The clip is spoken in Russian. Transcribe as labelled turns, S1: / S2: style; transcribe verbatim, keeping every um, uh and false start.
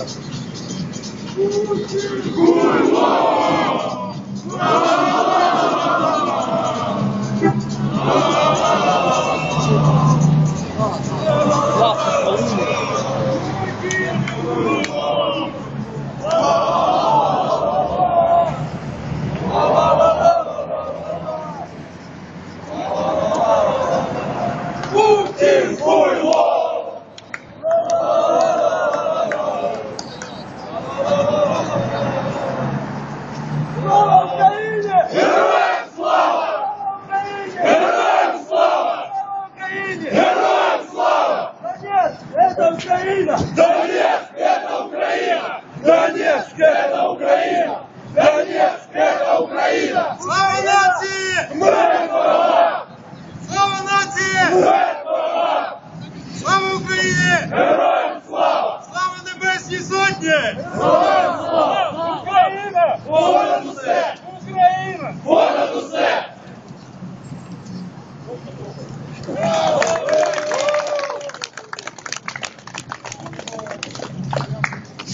S1: Донецк – это Украина! Донецк – это Украина! Донецк – это Украина!
S2: Слава нації!
S1: Смерть ворогам!
S2: Слава нації!
S1: Смерть ворогам!
S2: Слава Україні!
S1: Героям слава!
S2: Слава Небесній Сотні!
S1: Слава